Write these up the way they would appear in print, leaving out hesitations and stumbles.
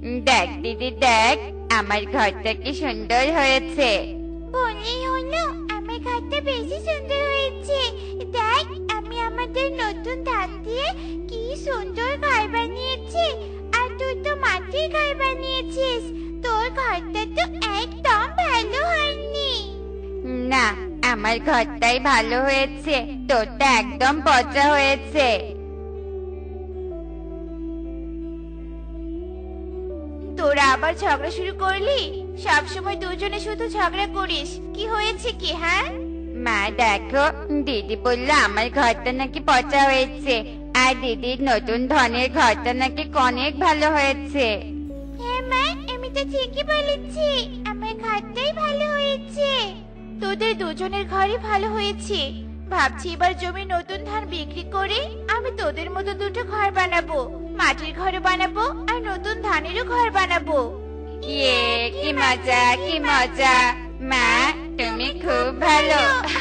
দেখ দিদি দেখ, আমার ঘরটা কি সুন্দর হয়েছে। বললেই হলো, আমার ঘরটা বেশি সুন্দর হয়েছে। দেখ, আমি আমাদের নতুন ধান দিয়ে কি সুন্দর ঘর বানিয়েছি। আর তুই তো মাটির ঘর বানিয়েছিস। তোর ঘরটা তো একদম ভালো হয়নি। না, আমার ঘরটাই ভালো হয়েছে, তোরটা একদম পচা হয়েছে। তোরা আবার ঝগড়া শুরু করলি? সবসময় দুজনে শুধু ঝগড়া করিস, কি হয়েছে কি? হ্যাঁ, মা দেখো, দিদি বললো আমার ঘরটা নাকি পচা হয়েছে, আর দিদির নতুন ধনের ঘরটা নাকি অনেক ভালো হয়েছে। হ্যাঁ মা, আমি তো ঠিকই বলেছি, আমার ঘরটাই ভালো হয়েছে। তোদের দুজনের ঘরই ভালো হয়েছে। ভাবছি এবার জমি নতুন ধান বিক্রি করে আমি তোদের মতো দুটো ঘর বানাবো। মাটির ঘরও বানাবো আর নতুন ধানেরও ঘর বানাবো। ইয়ে, কি মজা কি মজা! মা, তুমি খুব ভালো।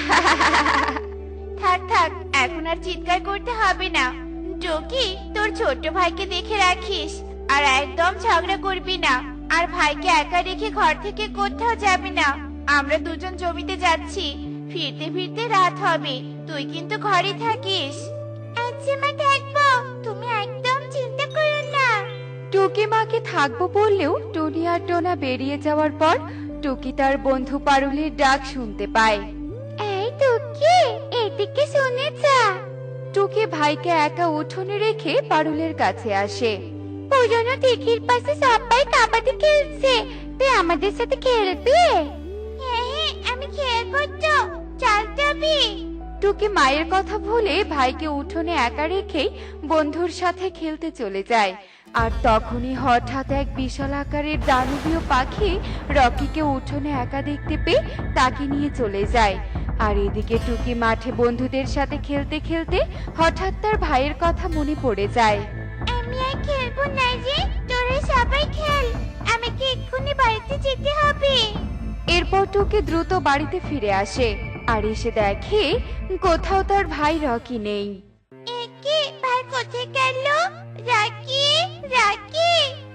থাক থাক, এখন আর চিৎকার করতে হবে না। টকি, তোর ছোট ভাইকে দেখে রাখিস, আর একদম ঝগড়া করবি না। আর ভাইকে একা রেখে ঘর থেকে কোথাও যাবি না। আমরা দুজন জমিতে যাচ্ছি, ফিরতে ফিরতে রাত হবে। তুই কিন্তু ঘরে থাকিস। আচ্ছা মা, থাকবো, তুমি একদম চিন্তা করো না। টুকি মাকে থাকবো বললেও টুনি আর টোনা বেরিয়ে যাওয়ার পর টুকি তার বন্ধু পারুলের ডাক শুনতে পায়। এই টুকি, এদিকে শুনে যা। টুকি ভাইকে একা উঠোনে রেখে পারুলের কাছে আসে। পুরনো দিঘির পাশে সবাই কাবাডি খেলছে, তুই আমাদের সাথে খেলবি? হ্যাঁ হ্যাঁ, আমি খেলবো তো, চল তবে। টুকি মায়ের কথা ভুলে ভাইকে উঠোনে একা রেখেই বন্ধুর সাথে খেলতে চলে যায়। আর তখনই হঠাৎ এক বিশাল আকারের দানবীয় পাখি রকিকে উঠোনে একা দেখতে পেয়ে তাকে নিয়ে চলে যায়। আর এদিকে টুকি মাঠে বন্ধুদের সাথে খেলতে খেলতে হঠাৎ তার ভাইয়ের কথা মনে পড়ে যায়। আমি আর খেলবো না রে, তোরা সবাই খেল, আমাকে এক্ষুনি বাড়িতে যেতে হবে। এরপর টুকি দ্রুত বাড়িতে ফিরে আসে আর এসে দেখে কোথাও তার ভাই রকি নেই। একে ভাই কোথায় গেল? রাকি, রাকি,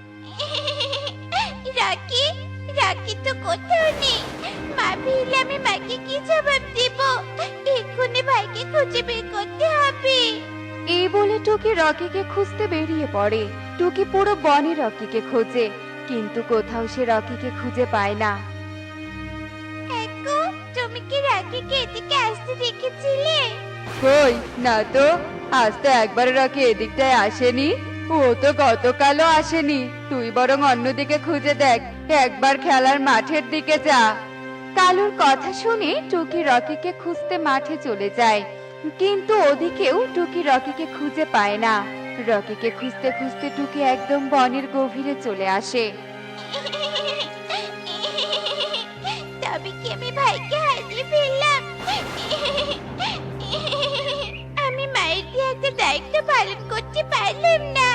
রাকি, রাকি তো কোথাও নেই। মা ভিলে আমি মাকে কি জবাব দেব? এক্ষুনি ভাইকে খুঁজে বের করতে হবে। এই বলে টুকি রকিকে খুঁজতে বেরিয়ে পড়ে। টুকি পুরো বনে রকিকে খোঁজে, কিন্তু কোথাও সে রকিকে খুঁজে পায় না। একু, তুমি কি রাকিকে এদিকে আসতে দেখেছিলে? কই না তো, আজ তো একবার রকি এদিকটায় আসেনি। ও তো গতকালও আসেনি। তুই বরং অন্যদিকে খুঁজে দেখ, একবার খেলার মাঠের দিকে যা। কালুর কথা শুনে টুকি রকিকে খুঁজতে মাঠে চলে যায়, কিন্তু ওদিকেও টুকি রকিকে খুঁজে পায় না। রকিকে খুঁজতে খুঁজতে টুকি একদম বনের গভীরে চলে আসে। তবে কি আমি ভাইকে হারিয়ে ফেললাম? আমি মায়ের দিয়ে একটা দায়িত্ব পালন করতে পারলাম না।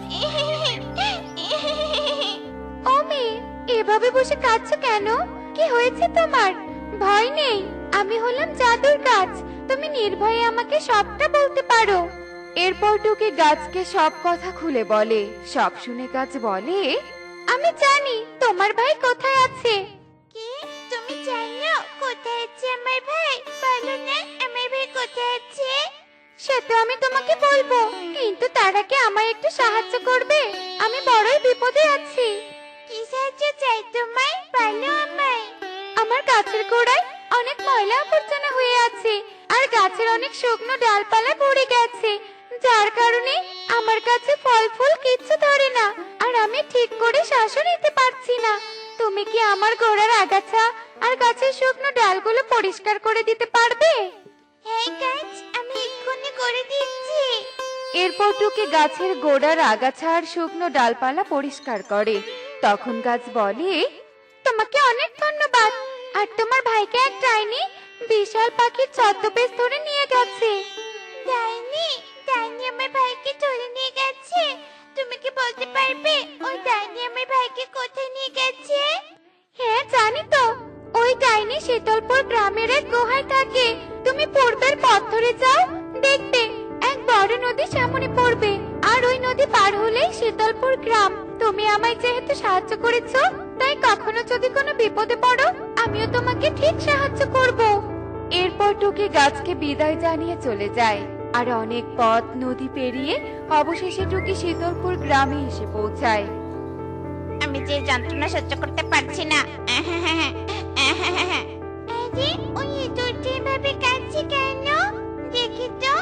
ও মেয়ে, এভাবে বসে কাঁদছো কেন? কি হয়েছে তোমার? ভয় নেই, আমি হলাম জাদুর গাছ, তুমি নির্ভয়ে আমাকে সবটা বলতে পারো। এরপর টুকি গাছকে সব কথা খুলে বলে। সব শুনে গাছ বলে, আমি জানি তোমার ভাই কোথায় আছে। কি, তুমি জানো কোথায় আছে আমার ভাই? বলো না, আমার ভাই কোথায় আছে? সে তো আমি তোমাকে বলবো, কিন্তু তার আগে আমায় একটু সাহায্য করবে, আমি বড়ই বিপদে আছি। কি সাহায্য চাই তোমার? বলো আমায়। আমার গাছের গোড়ায় অনেক ময়লা আবর্জনা হয়ে আছে, আর গাছের অনেক শুকনো ডালপালা পড়ে গেছে, যার কারণে আমার কাছে ফল ফুল কিচ্ছু ধরে না, আর আমি ঠিক করে শ্বাসও নিতে পারছি না। তুমি কি আমার গোড়ার আগাছা আর গাছের শুকনো ডালগুলো পরিষ্কার করে দিতে পারবে? হ্যাঁ গাছ, আমি এক্ষুনি করে দিচ্ছি। এরপর টুকি গাছের গোড়ার আগাছা আর শুকনো ডালপালা পরিষ্কার করে। তখন গাছ বলে, তোমাকে অনেক ধন্যবাদ। আর তোমার ভাইকে এক ডাইনি বিশাল পাখির ছদ্মবেশ ধরে নিয়ে গেছে। ডাইনি? ডাইনি আমার ভাইকে তুলে নিয়ে গেছে? তুমি কি বলতে পারবে ওই ডাইনি আমার ভাইকে কোথায় নিয়ে গেছে? হ্যাঁ জানি তো, ওই ডাইনি শীতলপুর গ্রামের এক গুহায় থাকে। তুমি পূর্বের পথ ধরে যাও, দেখবে এক বড় নদী সামনে পড়বে, আর ওই নদী পার হলেই শীতলপুর গ্রাম। তুমি আমায় যেহেতু সাহায্য করেছো, তাই কখনো যদি কোনো বিপদে পড়ো আমিও তোমাকে ঠিক সাহায্য করব। এরপর টুকি গাছকে বিদায় জানিয়ে চলে যায়। আর অনেক পথ নদী পেরিয়ে অবশেষে টুকি শীতলপুর গ্রামে এসে পৌঁছায়। আমি যে যন্ত্রণা সহ্য করতে পারছি না। আরে ওই ইঁদুরটি এভাবে কাঁদছে কেন? দেখি তো।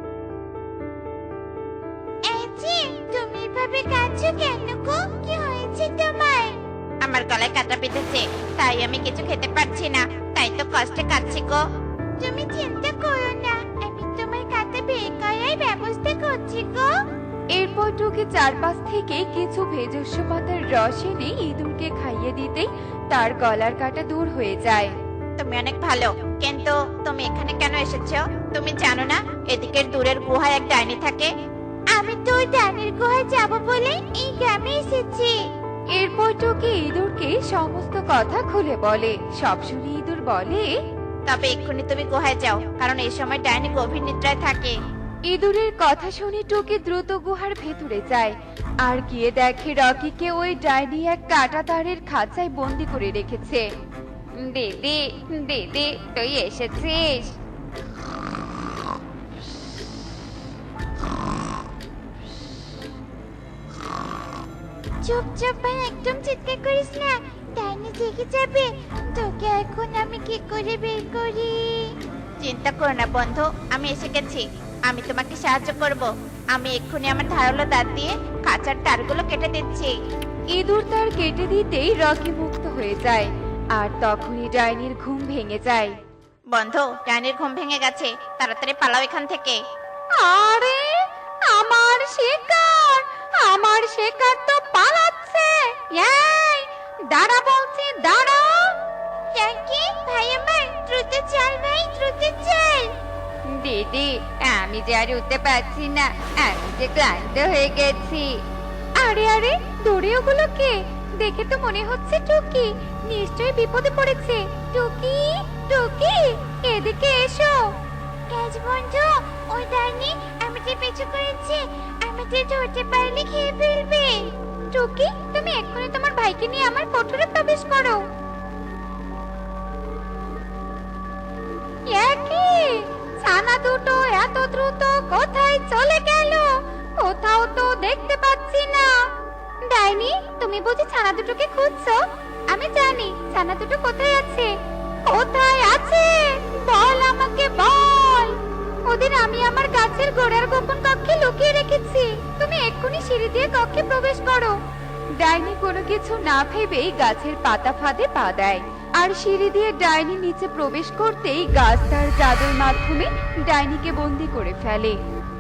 এই যে, তুমি এভাবে কাঁদছো কেন গো? কি হয়েছে তোমার? আমার গলায় কাঁটা বিঁধেছে, তাই আমি কিছু খেতে পারছি না, তাই তো কষ্টে কাঁদছি গো। তুমি চিন্তা করো না, আমি তোমার কাঁটা বের করার ব্যবস্থা করছি গো। এরপর টুকি চারপাশ থেকে কিছু ভেষজ পাতার রস এনে ইঁদুরকে খাইয়ে দিতেই তার গলার কাটা দূর হয়ে যায়। তুমি অনেক ভালো, কিন্তু তুমি এখানে কেন এসেছো? তুমি জানো না এদিকের দূরের গুহায় এক ডাইনি থাকে? আমি তো ওই ডাইনির গুহায় যাব বলে এই গ্রামে এসেছি। এরপর টুকি ইঁদুরকে সমস্ত কথা খুলে বলে। সব শুনে ইঁদুর বলে, তবে এক্ষুনি তুমি গুহায় যাও, কারণ এই সময় ডাইনি গভীর নিদ্রায় থাকে। ইঁদুরের কথা শুনে টুকি দ্রুত গুহার ভেতরে যায় আর গিয়ে দেখে রকিকে ওই ডাইনি এক কাটা তারের খাঁচায় বন্দি করে রেখেছে। দিদি দিদি তুই এসেছিস? চুপ চুপ ভাই, একদম চিৎকার করিস না, ডাইনি জেগে যাবে। তোকে এখন আমি কি করে বের করি? চিন্তা করো না বন্ধু, আমি এসে গেছি। আমি তোমাকে সাহায্য করব। আমি এক্ষুনি আমার ধারালো দাঁত দিয়ে কাঁচার তারগুলো কেটে দিচ্ছি। ইঁদুর তার কেটে দিতেই রকি মুক্ত হয়ে যায় আর তখনই ডাইনির ঘুম ভেঙে যায়। বন্ধু, ডাইনির ঘুম ভেঙে গেছে, তাড়াতাড়ি পালাও এখান থেকে। আরে আমার শিকার তো পালাচ্ছে। এই দাঁড়া বলছি, দাঁড়া। কি ভাই আমার, দ্রুত চল ভাই, দ্রুত চল। দিদি আমি যে আর উঠতে পারছি না, আমি যে ক্লান্ত হয়ে গেছি। আরে আরে দৌড়ে ওগুলো কে? দেখে তো মনে হচ্ছে টুকি, নিশ্চয়ই বিপদে পড়েছে। টুকি টুকি এদিকে এসো। কাজ বন্ধু, ওই ডাইনি আমাদের পিছু করেছে, আমাদের ধরতে পারলে খেয়ে ফেলবে। টুকি তুমি এক্ষুনি তোমার ভাইকে নিয়ে আমার কোঠরে প্রবেশ করো। কি ছানা দুটো এত দ্রুত কোথায় চলে গেল? কোথাও তো দেখতে পাচ্ছি না। ডাইনি তুমি বুঝি ছানা দুটোকে খুঁজছো? আমি জানি ছানা দুটো কোথায় আছে। কোথায় আছে বল, আমাকে বল। ওদের আমি আমার গাছের গোড়ার গোপন কক্ষে লুকিয়ে রেখেছি। তুমি এক্ষুনি সিঁড়ি দিয়ে কক্ষে প্রবেশ করো। ডাইনি কোনো কিছু না ভেবেই গাছের পাতা ফাঁদে পা দেয় আর সিঁড়ি দিয়ে ডাইনি নিচে প্রবেশ করতেই গাছ তার জাদুর মাধ্যমে ডাইনিকে বন্দি করে ফেলে।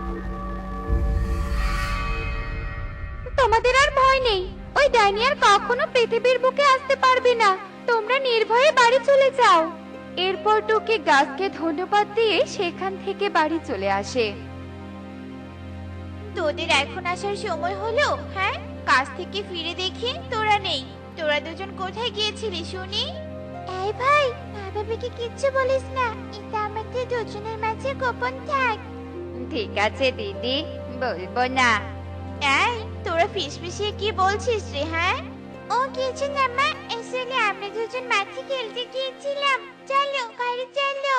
তোমাদের আর ভয় নেই, ওই ডাইনি আর কখনো পৃথিবীর বুকে আসতে পারবে না। তোমরা নির্ভয়ে বাড়ি চলে যাও। এরপর টুকি গাছকে ধন্যবাদ দিয়ে সেখান থেকে বাড়ি চলে আসে। তোদের এখন আসার সময় হলো? হ্যাঁ, কাজ থেকে ফিরে দেখি তোরা নেই। তোরা দুজন কোথায় গিয়েছিলি শুনি? এই ভাই, মা বাবাকে কিচ্ছু বলিস না, এটা আমাদের দুজনের মাঝে গোপন থাক। ঠিক আছে দিদি, বলবো না। এই তোরা ফিসফিসিয়ে কি বলছিস রে? হ্যাঁ, ও কিছু না মা, আসলে আমরা দুজন মাঠে খেলতে গিয়েছিলাম। চলো ঘরে চলো।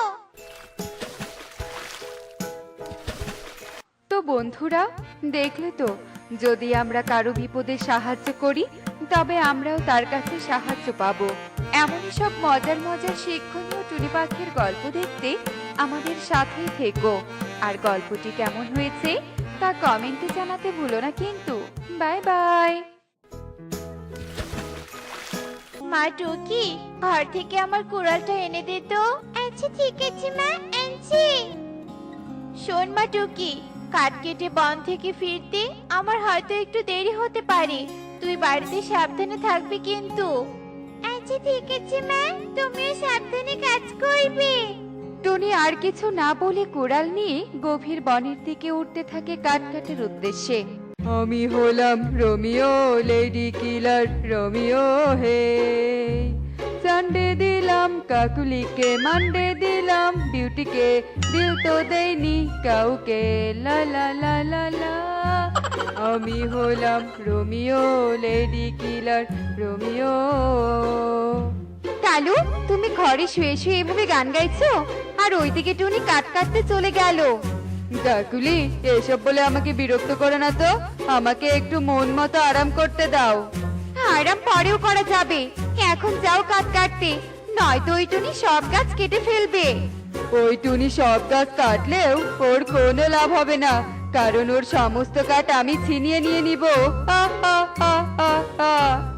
তো বন্ধুরা দেখলে তো, যদি আমরা কারো বিপদে সাহায্য করি তবে আমরাও তার কাছে সাহায্য পাবো। এমনই সব মজার মজার শিক্ষণীয় টুনি পাখির গল্প দেখতে আমাদের সাথেই থেকো। আর গল্পটি কেমন হয়েছে তা কমেন্টে জানাতে ভুলো না কিন্তু। Bye bye. মা টুকি, ঘর থেকে আমার কুড়ালটা এনে দে তো। আচ্ছা ঠিক আছে মা, আনছি। শোন মা টুকি, কাঠ কেটে বন থেকে ফিরতে আমার হয়তো একটু দেরি হতে পারে, তুই বাড়িতে সাবধানে থাকবি কিন্তু। আচ্ছা ঠিক আছে মা, তুমিও সাবধানে কাজ করবে। টুনি আর কিছু না বলে কুড়াল নিয়ে গভীর বনের দিকে উঠতে থাকে কাঠ কাটার উদ্দেশ্যে। আমি হলাম রোমিও, লেডি কিলার রোমিও হে। সানডে দিলাম কাকুলিকে, মানডে দিলাম বিউটিকে, দিল তো দেয়নি কাউকে। লা লা লা লা লা। আমি হলাম Romeo, lady killer Romeo. Kalu, তুমি ঘরে শুয়ে শুয়ে এভাবে গান গাইছো আর ওইদিকে টুনি কাট কাটতে চলে গেল। কাকুলি, এসব বলে আমাকে বিরক্ত করে না তো, আমাকে একটু মন মতো আরাম করতে দাও। আরাম পরেও করা যাবে, এখন যাও কাট কাটতে, নয়তো ওই টুনি সব গাছ কেটে ফেলবে। ওই টুনি সব গাছ কাটলেও ওর কোনো লাভ হবে না, কারণ ওর সমস্ত কাঠ আমি ছিনিয়ে নিয়ে নিব। হা, হা, হা, হা, হা।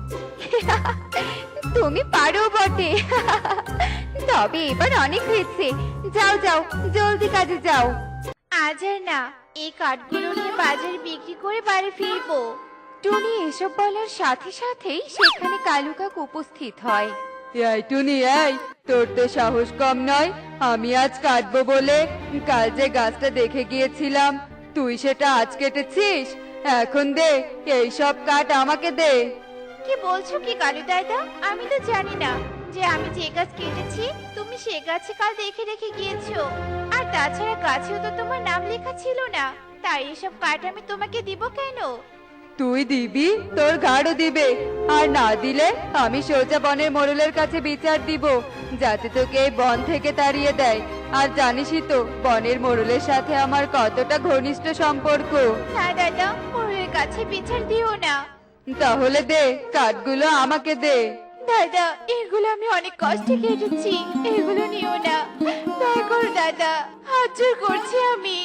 তুমি পারো বটে। তবে এবার অনেক হয়েছে, যাও যাও জলদি কাজে যাও। আজ আর না, এই কাঠগুলো নিয়ে বাজারে বিক্রি করে বাড়ি ফিরবো। টুনি এসব বলার সাথে সাথেই সেখানে কালু কাক উপস্থিত হয়। এই টুনি, এই তোর তো সাহস কম নয়। আমি আজ কাটবো বলে কাল যে গাছটা দেখে গিয়েছিলাম, তুই সেটা আজ কেটেছিস। এখন দে, এই সব কাঠ আমাকে দে। কি বলছো কি কালু দাদা? আমি তো জানি না যে আমি যে গাছ কেটেছি তুমি সে গাছে কাল দেখে রেখে গিয়েছো। আর তাছাড়া গাছেও তো তোমার নাম লেখা ছিল না, তাই এসব কাঠ আমি তোমাকে দিব কেন? তুই দিবি, তোর ঘাড়ও দিবে, আর না দিলে আমি সোজা বনের মোড়লের কাছে বিচার দিব, যাতে তোকে এই বন থেকে তাড়িয়ে দেয়। আর জানিসই তো বনের মোড়লের সাথে আমার কতটা ঘনিষ্ঠ সম্পর্ক। না দাদা, মোড়ের কাছে বিচার দিও না। তাহলে দে, কাঠগুলো আমাকে দে। দাদা, এগুলো আমি অনেক কষ্টে কেটেছি, এগুলো নিও না, দয়া করো দাদা, হাত জোর করছি আমি।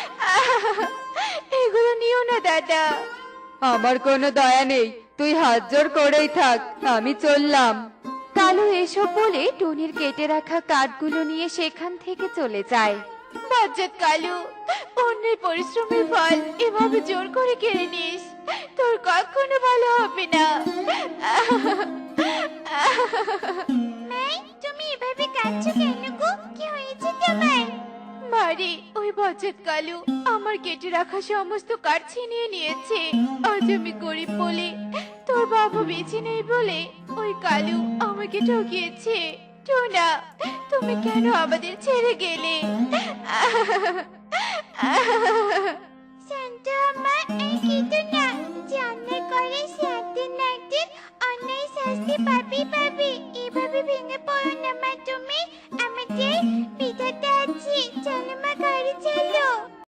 এগুলো নিও না দাদা। আমার কোনো দয়া নেই, তুই হাত জোর করেই থাক, আমি চললাম। কালু এসব বলে টুনির কেটে রাখা কাঠগুলো নিয়ে সেখান থেকে চলে যায়। বজ্জাত কালু, অন্যের পরিশ্রমের ফল এভাবে জোর করে কেড়ে নিস, তোর কখনো ভালো হবে না। তুমি এভাবে কাঁদছো কেন গো? কি হয়েছে তোমার? মারে, ওই বজ্জাত কালু আমার কেটে রাখা সমস্ত কাঠ ছিনিয়ে নিয়েছে। আজ আমি গরিব বলে, তোর বাবা বেঁচে নেই বলে ওই কালু আমাকে ঠকিয়েছে। টোনা, তুমি কেন আমাদের ছেড়ে গেলে? শান্ত মা, এই কিন্তু না, যে অন্যায় করে সে একদিন না একদিন অন্যায় শাস্তি পাবি। এভাবে ভেঙে পড়ো না মা তুমি, আমাদের বিধাতা আছে। চলো মা, গাড়ি চলো।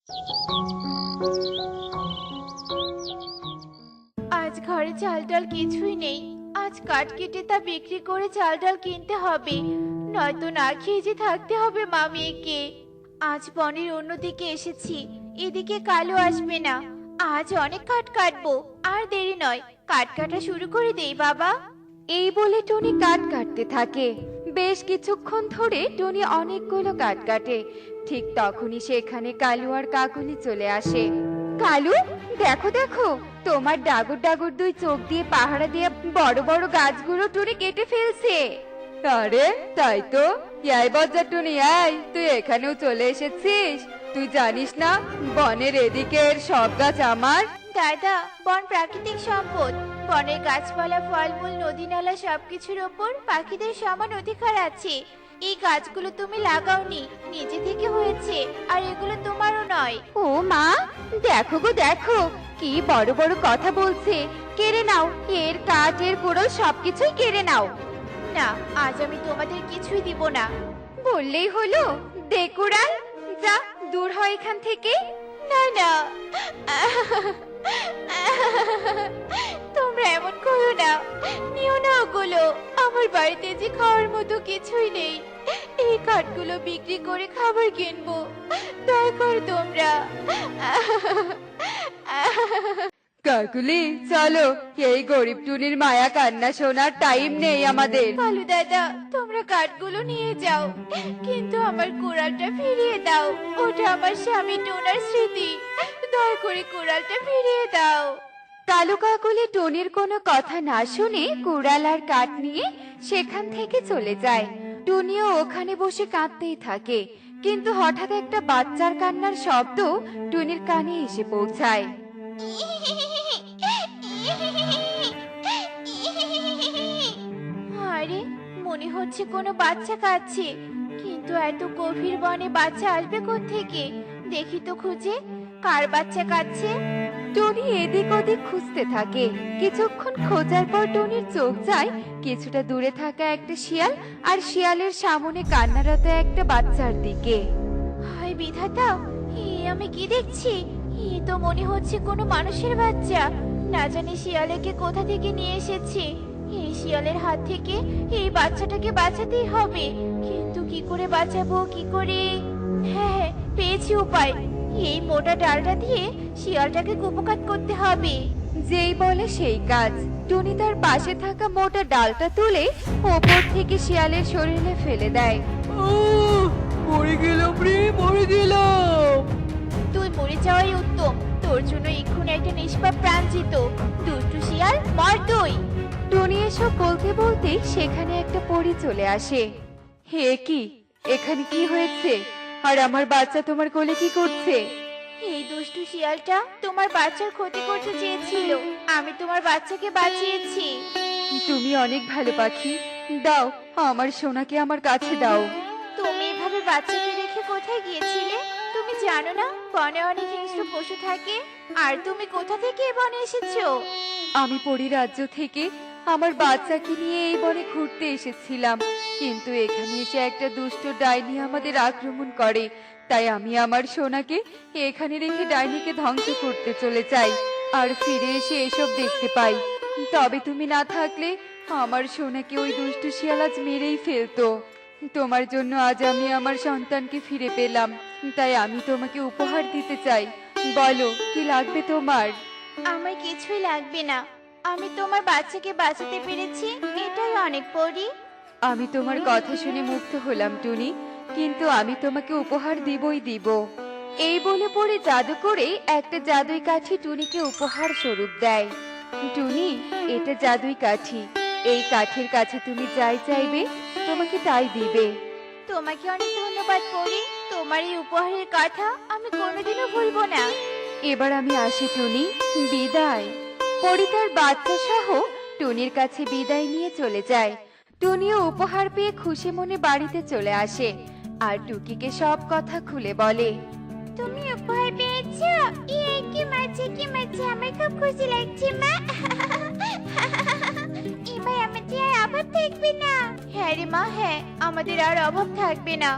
আজ ঘরে চাল ডাল কিছুই নেই, আজ কাঠ কেটে তা বিক্রি করে চাল ডাল কিনতে হবে, নয়তো না খেয়ে যে থাকতে হবে মা মেয়েকে। আজ বনের অন্যদিকে এসেছি, এদিকে কালো আসবে না। আজ অনেক কাঠ কাটবো, আর দেরি নয়, কাঠ কাটা শুরু করে দেই বাবা। এই বলে টুনি কাঠ কাটতে থাকে। বেশ কিছুক্ষণ ধরে টুনি অনেকগুলো কাঠ কাটে। ঠিক তখনই সেখানে কালু আর কাকুলি চলে আসে। কালু, দেখো দেখো, তোমার ডাগর ডাগর দুই চোখ দিয়ে পাহারা দিয়ে বড় বড় গাছগুলো টুনি কেটে ফেলছে। আরে তাই তো, এই বজ্জাত টুনি, এই তুই এখানেও চলে এসেছিস। তুই জানিস না বনের এদিকের সব গাছ আমার। দাদা, বন প্রাকৃতিক সম্পদ, বনের গাছপালা ফলমূল নদী নালা সবকিছুর ওপর পাখিদের সমান অধিকার আছে। এই গাছগুলো তুমি লাগাওনি, নিজে থেকে হয়েছে, আর এগুলো তোমারও নয়। ও মা, দেখো গো দেখো, কি বড় বড় কথা বলছে। কেড়ে নাও, এর কাঠ এর কুড়োল সবকিছুই কেড়ে নাও। না, আজ আমি তোমাদের কিছুই দিব না। বললেই হলো, দে কুড়াল, যা দূর হয় এখান থেকে। না না, তোমরা এমন করো না, নিও না ওগুলো। আমার বাড়িতে যে খাওয়ার মতো কিছুই নেই, এই কাঠগুলো বিক্রি করে খাবার কিনবো, দয়া করো তোমরা। কাকুলি, চলো, এই গরিব টুনির মায়া কান্না শোনার টাইম নেই আমাদের। কালু দাদা, তোমরা কাঠগুলো নিয়ে যাও, কিন্তু আমার কুড়ালটা ফিরিয়ে দাও। ওটা আমার স্বামী টোনার স্মৃতি, দয়া করে কুড়ালটা ফিরিয়ে দাও। কালু কাকুলি টুনির কোনো কথা না শুনে কুড়াল আর কাঠ নিয়ে সেখান থেকে চলে যায়। টুনিও ওখানে বসে কাঁদতেই থাকে, কিন্তু হঠাৎ একটা বাচ্চার কান্নার শব্দ টুনির কানে এসে পৌঁছায়। আরে, মনে হচ্ছে কোনো বাচ্চা কাঁদছে, কিন্তু এত গভীর বনে বাচ্চা আসবে কোত্থেকে? দেখি তো খুঁজে, কার বাচ্চা কাঁদছে। টনি এদিক ওদিক খুঁজতে থাকে। কিছুক্ষণ খোঁজার পর টনির চোখ যায় কিছুটা দূরে থাকা একটা শিয়াল আর শিয়ালের সামনে কান্নারত একটা বাচ্চার দিকে। হায় বিধাতা, আমি কি দেখছি? তো মনে হচ্ছে কোনো মানুষের বাচ্চা। না জানি শিয়ালেকে কোথা থেকে নিয়ে এসেছে। এই শিয়ালের হাত থেকে এই বাচ্চাটাকে বাঁচাতেই হবে, কিন্তু কি করে বাঁচাবো, কি করে? হ্যাঁ, পেয়েছি উপায়। এই মোটা ডালটা দিয়ে শিয়ালটাকে কুপকাত করতে হবে। যেই বলে সেই কাজ। টনি তার পাশে থাকা মোটা ডালটা তুলে ওপর থেকে শিয়ালের শরীরে ফেলে দেয়। মরে গেলাম রে, মরে গেলাম। তুই মরে যাওয়াই উত্তম। তোর জন্য এক্ষুনি একটা নিষ্পাপ প্রাণ যেত। দুষ্টু শিয়াল, মর তুই। টনি এসব বলতে বলতেই সেখানে একটা পরী চলে আসে। হে কি, এখানে কি হয়েছে? আর আমার বাচ্চা তোমার কোলে কি করছে? এই দুষ্টু শিয়ালটা তোমার বাচ্চার ক্ষতি করতে চেয়েছিল। আমি তোমার বাচ্চাকে বাঁচিয়েছি। তুমি অনেক ভালো পাখি। দাও, আমার সোনাকে আমার কাছে দাও। তুমি এভাবে বাচ্চাকে রেখে কোথায় গিয়েছিলে? তুমি জানো না বনে অনেক হিংস্র পশু থাকে? আর তুমি কোথা থেকে এ বনে এসেছো? আমি পরী রাজ্য থেকে আমার বাচ্চাকে নিয়ে এই বনে ঘুরতে এসেছিলাম, কিন্তু এখানে এসে একটা দুষ্ট ডাইনি আমাদের আক্রমণ করে। তাই আমি আমার সোনাকে এখানে রেখে ডাইনিকে ধ্বংস করতে চলে যাই, আর ফিরে এসে এসব দেখতে পাই। তবে তুমি না থাকলে আমার সোনাকে ওই দুষ্ট শিয়াল আজ মেরেই ফেলতো। তোমার জন্য আজ আমি আমার সন্তানকে ফিরে পেলাম, তাই আমি তোমাকে উপহার দিতে চাই। বলো, কি লাগবে তোমার? আমার কিছুই লাগবে না। আমি তোমার বাচ্চাকে বাঁচাতে পেরেছি, এটাই অনেক পরি। আমি তোমার কথা শুনে মুগ্ধ হলাম টুনি, কিন্তু আমি তোমাকে উপহার দিবই দিব। এই বলে পরে জাদু করে একটা জাদুই কাঠি টুনিকে উপহার স্বরূপ দেয়। টুনি, এটা জাদুই কাঠি। এই কাঠির কাছে তুমি যাই চাইবে তোমাকে তাই দিবে। তোমাকে অনেক ধন্যবাদ পরি। তোমার এই উপহারের কথা আমি কোনোদিনও ভুলবো না। এবার আমি আসি টুনি, বিদায়। পরি তার বাচ্চা সহ টুনির কাছে বিদায় নিয়ে চলে যায়। টুনিও উপহার পেয়ে খুশি মনে বাড়িতে চলে আসে আর টুকিকে সব কথা খুলে বলে। তুমি উপহার পেয়েছো? কি মজা, কি মজা! আমার খুব খুশি লাগছে মা। এবার আমাদের আর অভাব থাকবে না। হ্যাঁ রে মা, হ্যাঁ, আমাদের আর অভাব থাকবে না।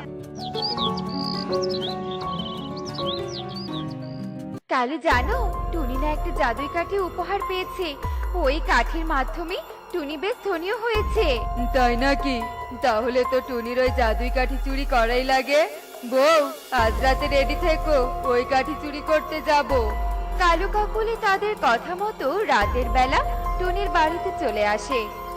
কালু জানো, টুনি না একটা জাদুই কাঠি উপহার পেয়েছে। ওই কাঠির মাধ্যমে টুনি বেশ ধনীও হয়েছে। তাই নাকি? তাহলে তো টুনির ওই জাদুই কাঠি চুরি করাই লাগে। বউ, আজ রাতে রেডি থেকো, ওই কাঠি চুরি করতে যাব। কালু কাকুলি তাদের কথা মতো রাতের বেলা টুনির বাড়িতে চলে আসে,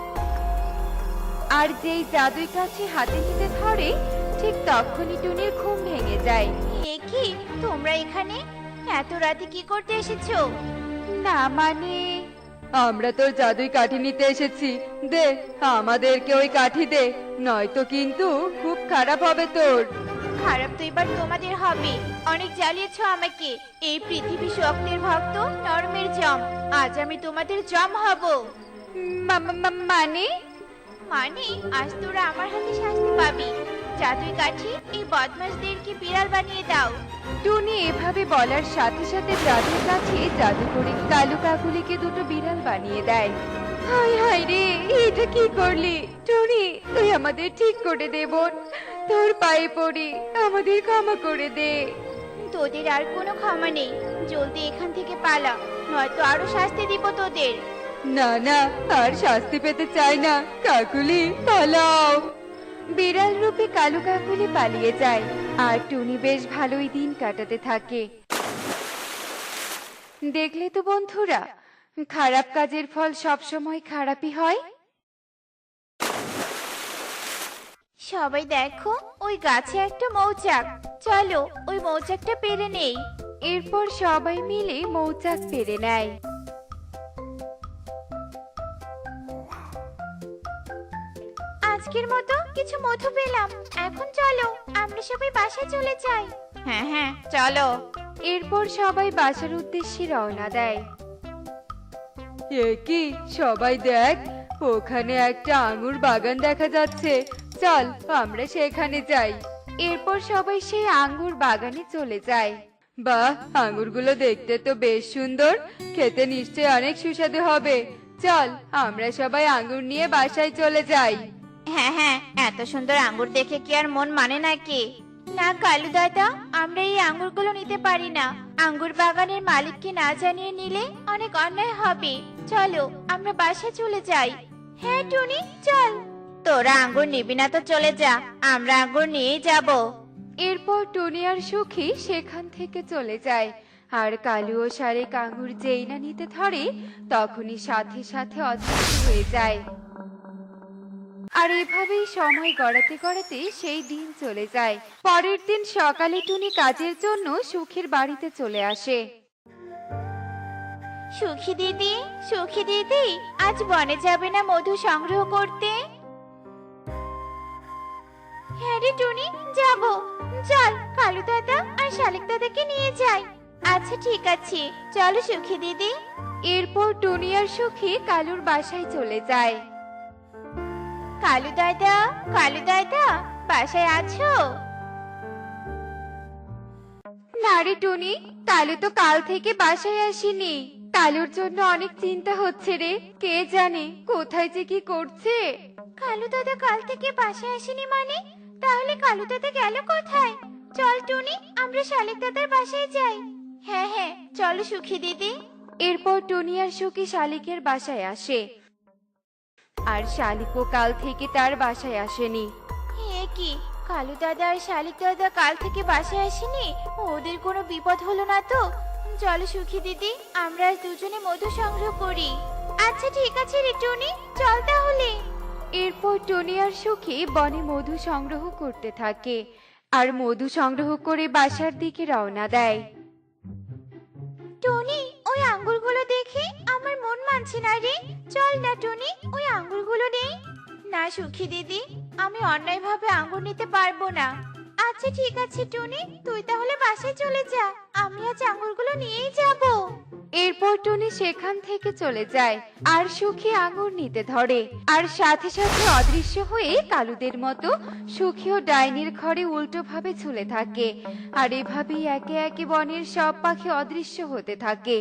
আর যেই জাদুই কাঠি হাতে নিতে ধরে ঠিক তখনই টুনির ঘুম ভেঙে যায়। কি, তোমরা এখানে এত রাতে কি করতে এসেছো? না মানে, আমরা তোর জাদুই কাঠি নিতে এসেছি। দে, আমাদেরকে ওই কাঠি দে, নয়তো কিন্তু খুব খারাপ হবে তোর। খারাপ তো এবার তোমাদের হবে। অনেক জ্বালিয়েছো আমাকে। এই পৃথিবী শক্তের ভক্ত নরমের জম। আজ আমি তোমাদের জম হব। মানে মানে আজ তোরা আমার হাতে শাস্তি পাবি। জাদুই কাঠি এই বদমাশদেরকে বিড়াল বানিয়ে দাও। টুনি এভাবে বলার সাথে সাথে জাদুর কাছে জাদু করে কালু কাকুলিকে দুটো বিড়াল বানিয়ে দেয়। হাই হাই রে, এটা কি করলি টুনি? তুই আমাদের ঠিক করে দে বোন, তোর পায়ে পড়ি, আমাদের ক্ষমা করে দে। তোদের আর কোনো ক্ষমা নেই। জলদি এখান থেকে পালা, নয়তো আরো শাস্তি দিব তোদের। না না, আর শাস্তি পেতে চাই না। কাকুলি, পালাও। বিড়াল রূপে কালু কাকুলি পালিয়ে যায়, আর টুনি বেশ ভালোই দিন কাটাতে থাকে। দেখলে তো বন্ধুরা, খারাপ কাজের ফল সবসময় খারাপই হয়। সবাই দেখো, ওই গাছে একটা মৌচাক। চলো ওই মৌচাকটা পেরে নেই। এরপর সবাই মিলে মৌচাক পেরে নেয়। আজকের মতো কিছু মধু পেলাম। এখন চলো আমরা সবাই বাসায় চলে যাই। হ্যাঁ হ্যাঁ, চলো। এরপর সবাই বাসার উদ্দেশ্যে রওনা দেয়। এ কি, সবাই দেখ, ওখানে একটা আঙুর বাগান দেখা যাচ্ছে। চল আমরা সেখানে যাই। এরপর সবাই সেই আঙ্গুর বাগানে চলে যায়। বাহ, আঙুরগুলো দেখতে তো বেশ সুন্দর, খেতে নিশ্চয়ই অনেক সুস্বাদু হবে। চল আমরা সবাই আঙুর নিয়ে বাসায় চলে যাই। হ্যাঁ হ্যাঁ, এত সুন্দর আঙ্গুর দেখে কি আর মন মানে নাকি? না কালু দাদা, আমরা এই আঙ্গুরগুলো নিতে পারি না। আঙ্গুর বাগানের মালিককে না জানিয়ে নিলে অনেক অন্যায় হবে। চলো আমরা বাসায় চলে যাই। হ্যাঁ টুনি, চল। তোরা আঙ্গুর নিবি না তো চলে যা, আমরা আঙ্গুর নিয়েই যাব। এরপর টুনি আর সুখী সেখান থেকে চলে যায়। আর কালু ও শালিক আঙুর যেই না নিতে ধরে তখনই সাথে সাথে অদৃশ্য হয়ে যায়। আর এভাবেই সময় গড়াতে গড়াতে সেই দিন চলে যায়। পরের দিন সকালে টুনি কাজের জন্য সুখীর বাড়িতে চলে আসে। সুখী দিদি, সুখী দিদি, আজ বনে যাবে না মধু সংগ্রহ করতে? হ্যাঁ রে টুনি, যাব। চল কালু দাদা আর শালিক দাদাকে নিয়ে যাই। আচ্ছা ঠিক আছে, চলো সুখী দিদি। এরপর টুনি আর সুখী কালুর বাসায় চলে যায়। কালু দাদা, কালু দাদা, বাসায় আছো? না রে টুনি, কালু তো কাল থেকে বাসায় আসেনি। কালুর জন্য অনেক চিন্তা হচ্ছে রে, কে জানে কোথায় যে কি করছে। কালু দাদা কাল থেকে বাসায় আসেনি মানে? তাহলে কালু দাদা গেল কোথায়? চল টুনি, আমরা শালিক দাদার বাসায় যাই। হ্যাঁ হ্যাঁ, চলো সুখী দিদি। এরপর টুনি আর সুখী শালিকের বাসায় আসে। আর শালিকও কাল থেকে তার বাসায় আসেনি। এ কি, কালু দাদা আর শালিক দাদা কাল থেকে বাসায় আসেনি? ওদের কোনো বিপদ হলো না তো? চলো সুখী দিদি, আমরা আজ দুজনে মধু সংগ্রহ করি। আচ্ছা ঠিক আছে রে টুনি, চল তাহলে। এরপর টুনি আর সুখী বনে মধু সংগ্রহ করতে থাকে। আর মধু সংগ্রহ করে বাসার দিকে রওনা দেয়। টুনি, ওই আঙ্গুরগুলো দেখে আমার মন মানছে না রে। চল না টুনি, ওই আঙ্গুরগুলো নেই। না সুখী দিদি, আমি অন্যায়ভাবে আঙ্গুর নিতে পারবো না। আচ্ছা ঠিক আছে টুনি, তুই তাহলে বাসায় চলে যা, আমি আজ আঙ্গুরগুলো নিয়েই যাব। এরপর টুনি সেখান থেকে চলে যায়। আর সুখী আঙুর নিতে ধরে। আর সাথে সাথে অদৃশ্য হয়ে কালুদের মতো সুখীও ডাইনির ঘরে উল্টো ভাবে ঝুলে থাকে। আর এভাবেই একে একে বনের সব পাখি অদৃশ্য হতে থাকে।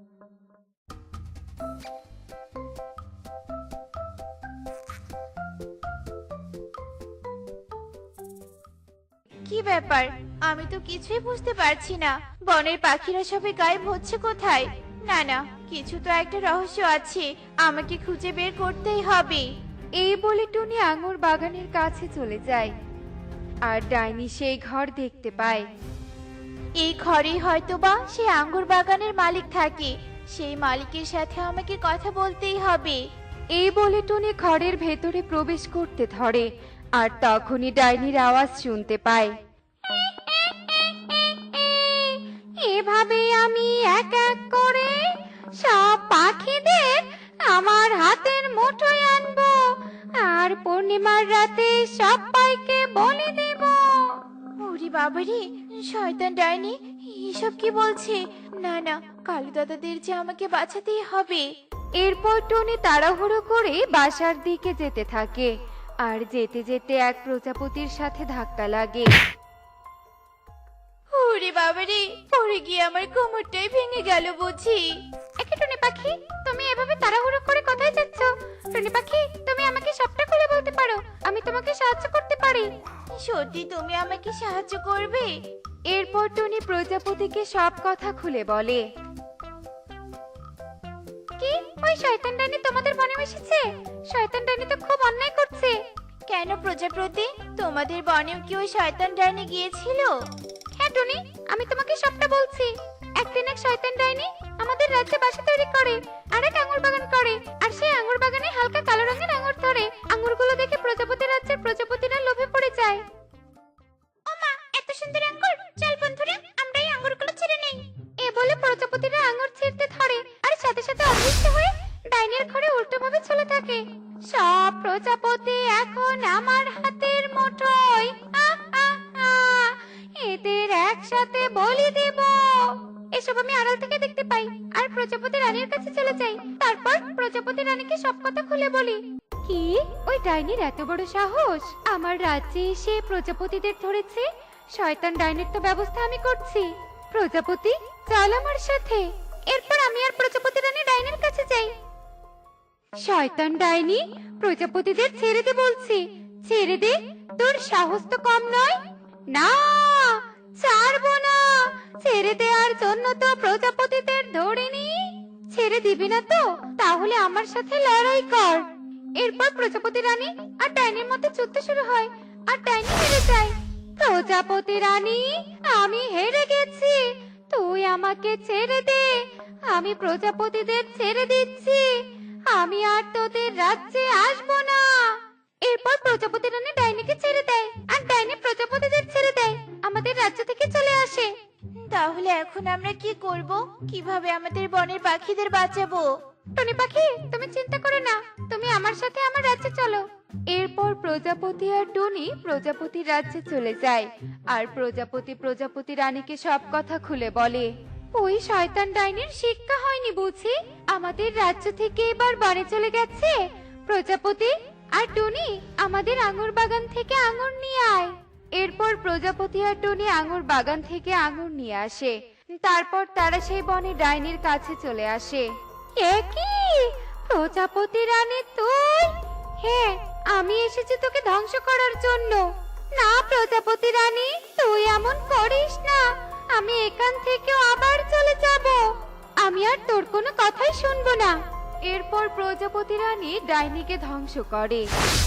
কি ব্যাপার, আমি তো কিছুই বুঝতে পারছি না। বনের পাখিরা সবাই গায়েব হচ্ছে কোথায়? না না, কিছু তো একটা রহস্য আছে, আমাকে খুঁজে বের করতেই হবে। এই বলে টুনি আঙুর বাগানের কাছে চলে যায়। আর ডাইনি সেই ঘর দেখতে পায়। এই ঘরেই হয়তোবা সেই আঙ্গুর বাগানের মালিক থাকে। সেই মালিকের সাথে আমাকে কথা বলতেই হবে। এই বলে টুনি ঘরের ভেতরে প্রবেশ করতে ধরে। আর তখনই ডাইনির আওয়াজ শুনতে পায়। এভাবে আমি এক এক করে সব পাখিদের আমার হাতের মুঠোয় আনবো। আর পূর্ণিমার রাতে সবাইকে বলে দেব। ওরে বাবারে, শয়তান ডাইনি এসব কি বলছে? না না, কালু দাদাদের যে আমাকে বাঁচাতেই হবে। এরপর টুনি তাড়াহুড়ো করে বাসার দিকে যেতে থাকে। আর যেতে যেতে এক প্রজাপতির সাথে ধাক্কা লাগে। ওরে বাবারে, পড়ে গিয়ে আমার কোমরটাই ভেঙে গেল বুঝি। একে টুনি পাখি, তুমি এভাবে তাড়াহুড়ো করে কোথায় যাচ্ছ? টুনি পাখি, তুমি আমাকে সবটা খুলে বলতে পারো, আমি তোমাকে সাহায্য করতে পারি। সত্যি তুমি আমাকে সাহায্য করবে? এরপর টুনি প্রজাপতিকে সব কথা খুলে বলে। কি, ওই শয়তান ডাইনি তোমাদের বনে এসেছে? শয়তান ডাইনি তো খুব অন্যায় করছে। কেন প্রজাপতি, তোমাদের বনেও কি ওই শয়তান ডাইনি গিয়েছিল? হ্যাঁ টুনি, আমি তোমাকে সবটা বলছি। একদিন এক শয়তান ডাইনি আমাদের রাজ্যে বাসা তৈরি করে আর এক আঙ্গুর বাগান করে। আর সেই আঙ্গুর বাগানে হালকা কালো রঙের আঙ্গুর ধরে। আঙ্গুরগুলো দেখে প্রজাপতি রাজ্যের প্রজাপতিরা লোভে পড়ে যায়। ওমা, এত সুন্দর আঙ্গুর! চল বন্ধুরা, আমরা এই আঙ্গুরগুলো ছিঁড়ে নেই। এ বলে প্রজাপতিরা আঙ্গুর ছিঁড়তে ধরে। আর সাথে সাথে অদৃশ্য হয়ে ডাইনির ঘরে উল্টোভাবে চলে থাকে। সব প্রজাপতি এখন আমার হাতের মুঠোয়। আহ, আহ, আহ, এদের একসাথে বলি দেব। এসব আমি আড়াল থেকে দেখতে পাই। আর প্রজাপতি রানীর কাছে চলে যাই। তারপর প্রজাপতি রানীকে সব কথা খুলে বলি। কি, ওই ডাইনির এত বড় সাহস আমার রাজ্যে এসে প্রজাপতিদের ধরেছে? শয়তান ডাইনির তো ব্যবস্থা আমি করছি। প্রজাপতি চল আমার সাথে। এরপর আমি আর প্রজাপতি রানী ডাইনির কাছে যাই। শয়তান ডাইনি, প্রজাপতিদের ছেড়ে দে বলছি, ছেড়ে দে। তোর সাহস তো কম নয়। না, ছাড়বো না। ছেড়ে দেওয়ার জন্য তো প্রজাপতিদের ধরিনি। ছেড়ে দিবি না তো? তাহলে আমার সাথে লড়াই কর। এরপর প্রজাপতি রানী আর ডাইনির মধ্যে যুদ্ধ শুরু হয়, আর ডাইনি হেরে যায়। প্রজাপতি রানী, আমি হেরে গেছি, তুই আমাকে ছেড়ে দে। আমি প্রজাপতিদের ছেড়ে দিচ্ছি, আমি আর তোদের রাজ্যে আসবো না। এরপর প্রজাপতি রানী ডাইনিকে ছেড়ে দেয়, আর ডাইনি প্রজাপতিদের ছেড়ে দেয়, আমাদের রাজ্য থেকে চলে আসে। তাহলে এখন আমরা কি করব? কিভাবে আমাদের বনের পাখিদের বাঁচাবো? টনি পাখি, তুমি চিন্তা করো না, তুমি আমার সাথে আমার রাজ্যে চলো। এরপর প্রজাপতি আর টনি প্রজাপতি রাজ্যে চলে যায়, আর প্রজাপতি রানীকে সব কথা খুলে বলে। ওই শয়তান ডাইনির শিক্ষা হয়নি বুঝি, আমাদের রাজ্য থেকে এবার বনে চলে গেছে। প্রজাপতি আর টনি, আমাদের আঙুর বাগান থেকে আঙুর নিয়ে আয়। এরপর প্রজাপতি আর টনি আঙুর বাগান থেকে আঙুর নিয়ে আসে। তারপর তারা সেই বনে ডাইনির কাছে চলে আসে। এ কি প্রজাপতি রানী তুই? হ্যাঁ, আমি এসেছি তোকে ধ্বংস করার জন্য। না প্রজাপতি রানী, তুই এমন করিস না, আমি এখান থেকে আবার চলে যাব। আমি আর তোর কোনো কথাই শুনবো না। এরপর প্রজাপতি রানী ডাইনিকে ধ্বংস করে।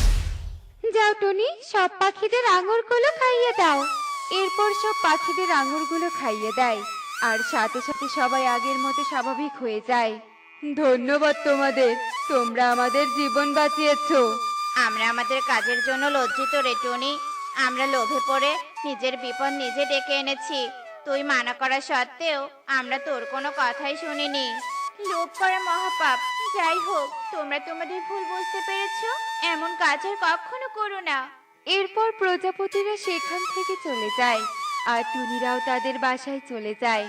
যাও টনি, সব পাখিদের আঙুরগুলো খাইয়ে দাও। এরপর সব পাখিদের আঙুরগুলো খাইয়ে দেয়, আর সাথে সাথে সবাই আগের মতো স্বাভাবিক হয়ে যায়। ধন্যবাদ তোমাদের, তোমরা আমাদের জীবন বাঁচিয়েছো। আমরা আমাদের কাজের জন্য লজ্জিত রে টনি। আমরা লোভে পড়ে নিজের বিপদ নিজে ডেকে এনেছি। তুই মানা করা সত্ত্বেও আমরা তোর কোনো কথাই শুনিনি। লোভ করা মহাপাপ। যাই হোক, তোমরা তোমাদের ভুল বুঝতে পেরেছো, এমন কাজ আর কখনো করো না। এরপর প্রজাপতিরা সেখান থেকে চলে যায়, আর টুনিরাও তাদের বাসায় চলে যায়।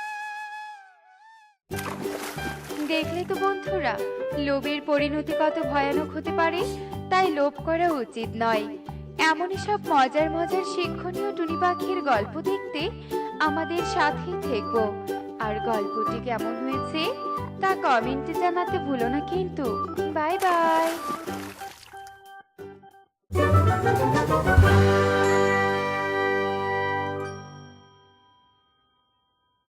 দেখলে তো বন্ধুরা, লোভের পরিণতি কত ভয়ানক হতে পারে। তাই লোভ করা উচিত নয়। এমনই সব মজার মজার শিক্ষণীয় টুনি পাখির গল্প দেখতে আমাদের সাথেই থেকো। আর গল্পটি কেমন হয়েছে তা কমেন্টে জানাতে ভুলো না কিন্তু। Bye by.